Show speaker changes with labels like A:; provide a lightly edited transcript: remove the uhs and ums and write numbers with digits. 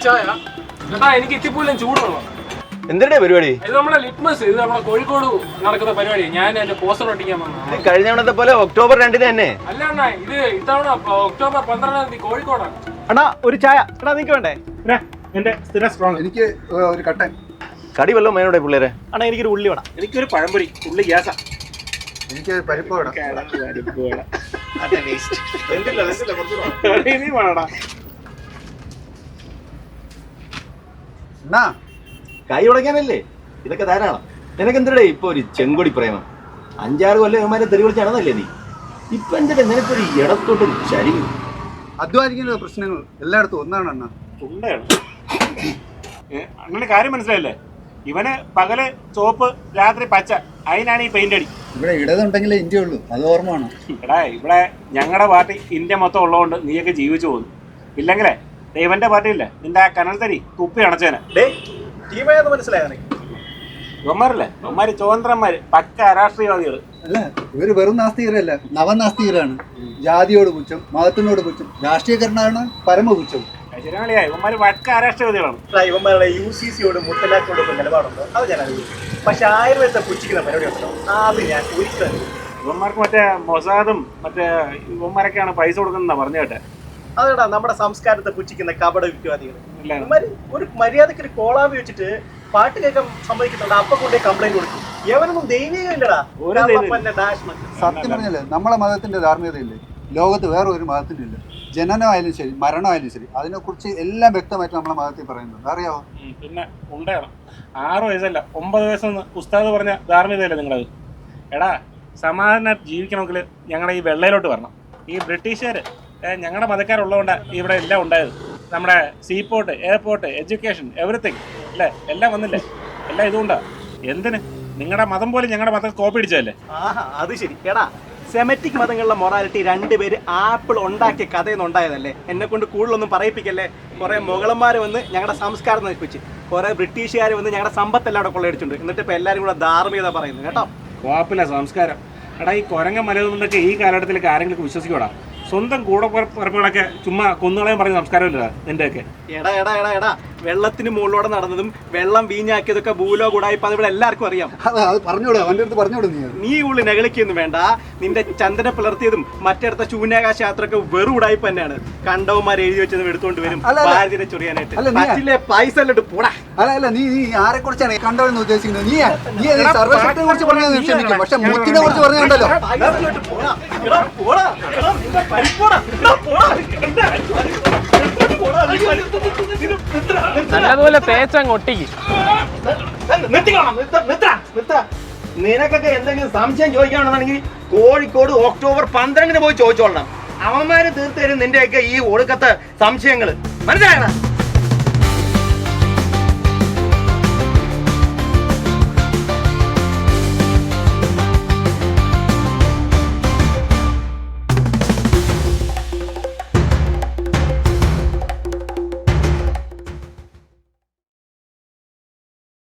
A: ചായ ചേട്ടാ. എനിക്ക് ഇത്തിപ്പോലും ചൂടുള്ളൂ.
B: എന്തിനാ പരിപാടി?
A: ഇത് നമ്മുടെ ലിറ്റ്മസ്. ഇത് നമ്മുടെ കോഴിക്കോട് നടക്കുന്ന പരിപാടി. ഞാൻ എന്റെ പോസ്റ്റർ ഒട്ടിക്കാൻ വന്നു.
B: കഴിഞ്ഞ തവണത്തെ പോലെ ഒക്ടോബർ 2 തന്നെ
A: അല്ല അണ്ണാ, ഇത് ഇത്തവണ ഒക്ടോബർ 12 കോഴിക്കോടാണ്.
C: അണ്ണാ ഒരു ചായ. എടാ നിനക്ക് വേണ്ടേ?
D: എന്റെ സ്ഥിരം സ്ട്രോങ്. എനിക്ക് ഒരു കട്ടൻ.
B: കടി വല്ലതും വേണോടെ പിള്ളേരെ?
C: അണ്ണാ എനിക്കൊരു ഉള്ളി വേണം.
D: എനിക്കൊരു പഴംപൊരി. ഉള്ളി ഗ്യാസാ.
E: എനിക്ക് പരിപ്പ് വേണം. എന്നാ
B: കൈ ഉടയ്ക്കാനല്ലേ ഇതൊക്കെ ധാരാളം. നിനക്ക് എന്തിടേ ഇപ്പൊ ഒരു ചെങ്കൊടി പ്രേമം? 5-6 കൊല്ലം ഇവന്മാരെ തെറി വിളിച്ച് നടന്നല്ലേ നീ? ഇപ്പൊ എന്തിനാ നിനക്കൊരു ഇടത്തോട്ടൊരു ചരിവ്?
E: അധ്വാനിക്കുന്ന പ്രശ്നങ്ങൾ എല്ലായിടത്തും ഒന്നാണ് അണ്ണ.
D: അങ്ങനെ കാര്യം മനസ്സിലായില്ലേ? ഇവന് പകല് ചോപ്പ്, രാത്രി പച്ച. അതിനാണ് ഈ പെയിന്റ് അടി.
E: ഇവിടെ ഇടതുണ്ടെങ്കിലേ ഇന്ത്യ ഉള്ളൂ, അത് ഓർമ്മ വേണം.
D: എടാ, ഇവിടെ ഞങ്ങളുടെ പാർട്ടി ഇന്ത്യ മൊത്തം ഉള്ളതുകൊണ്ട് നീയൊക്കെ ജീവിച്ചു പോകുന്നു. ഇല്ലെങ്കിലേ ഇവന്റെ പാർട്ടി ഇല്ലേ, നിന്റെ ആ കനൽ തരി തുപ്പി അണച്ചേനെ.
C: മനസ്സിലായോ?
D: ഇവന്മാരല്ലേ, ഇവന്മാര് സ്വതന്ത്രന്മാര്, പക്ക രാഷ്ട്രീയവാദികള്.
E: അല്ല, ഇവര് വെറും നാസ്തികരല്ല, നവനാസ്തികരാണ്. ജാതിയോട് പുച്ഛം, മതത്തിനോട് പുച്ഛം, രാഷ്ട്രീയക്കാരനാണ് പരമപുച്ഛം.
D: ശരിയാളിയാ, ഇവന്മാര് പക്ക രാഷ്ട്രീയവാദികളാണ്.
C: ഇവന്മാരുടെ UCCയോട് മുത്തലാഖിനോടൊപ്പം നിലപാടുണ്ടോ? അത് ഞാൻ അറിയില്ല. പക്ഷെ ആയുർവേദത്തെ പുച്ഛിക്കുന്ന പരിപാടി ഉണ്ടോ? അത് ഞാൻ ഒരിക്കലും.
D: ഇവന്മാർക്ക് മറ്റേ മൊസാദും മറ്റേ ഇവന്മാരൊക്കെയാണ് പൈസ കൊടുക്കുന്ന പറഞ്ഞു കേട്ടെ.
C: അതെടാ നമ്മുടെ സംസ്കാരത്തെ പുച്ഛിക്കുന്ന കപട വിദ്വാദികൾ. ഒരു മര്യാദക്ക് ഒരു കോളാമ്പി വെച്ചിട്ട് പാട്ട് കേൾക്കാൻ സമ്മതിക്കുന്നുണ്ട്, അപ്പൊ കൊണ്ടേ കംപ്ലൈന്റ് കൊടുക്കും. എവനൊന്നും ദൈവികമില്ലടാ.
E: സത്യം പറഞ്ഞല്ലേ, നമ്മളെ മതത്തിന്റെ ധാർമ്മികതയില്ലേ ലോകത്ത് വേറെ ഒരു മതത്തിന്റെ ഇല്ല. ജനനമായാലും ശരി, മരണമായാലും ശരി, അതിനെക്കുറിച്ച് എല്ലാം വ്യക്തമായിട്ട് നമ്മളെ മതത്തിൽ പറയുന്നുണ്ട്. അറിയാവോ?
D: പിന്നെ ഉണ്ടാകണം. 6 വയസ്സല്ല 9 വയസ്സെന്ന് ഉസ്താദ് പറഞ്ഞ ധാർമ്മികതയല്ലേ നിങ്ങളത്? എടാ, സമാധാനം ജീവിക്കണമെങ്കിൽ ഞങ്ങളുടെ ഈ വെള്ളയിലോട്ട് വരണം. ഈ ബ്രിട്ടീഷുകാർ ഞങ്ങളുടെ മതക്കാരുള്ളതുകൊണ്ടാണ് ഇവിടെ എല്ലാം ഉണ്ടായത്. നമ്മുടെ സീപോർട്ട്, എയർപോർട്ട്, എഡ്യൂക്കേഷൻ, എവറിത്തിങ് അല്ലേ, എല്ലാം വന്നില്ലേ? എല്ലാം ഇതുകൊണ്ടാണ്. എന്തിന്? നിങ്ങളുടെ മതം പോലും ഞങ്ങളുടെ മതം കോപ്പി അടിച്ചതല്ലേ?
C: അത് ശരി. എടാ, സെമറ്റിക് മതങ്ങളിലെ മൊറാലിറ്റി 2 പേര് ആപ്പിൾ ഉണ്ടാക്കിയ കഥയെന്ന് ഉണ്ടായതല്ലേ. എന്നെ കൊണ്ട് കൂടുതലൊന്നും പറയിപ്പിക്കല്ലേ. കുറെ മുഗളന്മാർ വന്ന് ഞങ്ങളുടെ സംസ്കാരം നശിപ്പിച്ച്, കുറെ ബ്രിട്ടീഷുകാർ വന്ന് ഞങ്ങളുടെ സമ്പത്തെല്ലാം അവിടെ കൊള്ളയടിച്ചിട്ടുണ്ട്. എന്നിട്ട് ഇപ്പൊ എല്ലാവരും കൂടെ ധാർമ്മികത പറയുന്നു കേട്ടോ.
D: കോപ്പില്ല സംസ്കാരം. എടാ, ഈ കുരങ്ങ മലയൊക്കെ ഈ കാലഘട്ടത്തിലേക്ക് ആരെങ്കിലും വിശ്വസിക്കൂടാ? സ്വന്തം കൂടപ്പുറപ്പുകളൊക്കെ ചുമ്മാ കൊന്നുകളയും പറഞ്ഞ സംസ്കാരമില്ല നിന്റെയൊക്കെ.
C: എടാ വെള്ളത്തിന് മുകളിലൂടെ നടന്നതും വെള്ളം വീഞ്ഞാക്കിയതൊക്കെ ഭൂലോക ഉടായിപ്പ്. അത് ഇവിടെ എല്ലാവർക്കും അറിയാം.
E: അത് പറഞ്ഞോളൂ, അവന്റെ അടുത്ത് പറഞ്ഞോളൂ.
C: നീ ഉള്ളിൽ നെകളിക്കൊന്നും വേണ്ട. നിന്റെ ചന്ദന പിളർത്തിയതും മറ്റടുത്ത ശൂന്യാകാശ യാത്രയൊക്കെ വെറും ഉടായിപ്പ് തന്നെയാണ്. കണ്ടവന്മാർ എഴുതി വെച്ചത് എടുത്തോണ്ട് വരും ഭാരതിനെ ചൊറിയാനായിട്ട്. പൈസ അല്ലിട്ട് പോടാ.
E: അല്ല, നീ ആരെ കുറിച്ചാണ് കണ്ടവെന്ന് ഉദ്ദേശിക്കുന്നത്? നീ സർവശക്തിയെ കുറിച്ച് പറഞ്ഞത് ക്ഷമിക്കും, പക്ഷെ മുത്തിനെ കുറിച്ച് പറഞ്ഞുണ്ടല്ലോ.
A: നല്ലതുപോലെ തേച്ചങ്ങ് ഒട്ടിക്ക്.
B: നിനക്കൊക്കെ എന്തെങ്കിലും സംശയം ചോദിക്കുകയാണെന്നുണ്ടെങ്കിൽ കോഴിക്കോട് ഒക്ടോബർ 12 പോയി ചോദിച്ചോളണം. അവന്മാര് തീർത്തരും നിന്റെയൊക്കെ ഈ ഒടുക്കത്തെ സംശയങ്ങള്. മനസ്സിലായണ?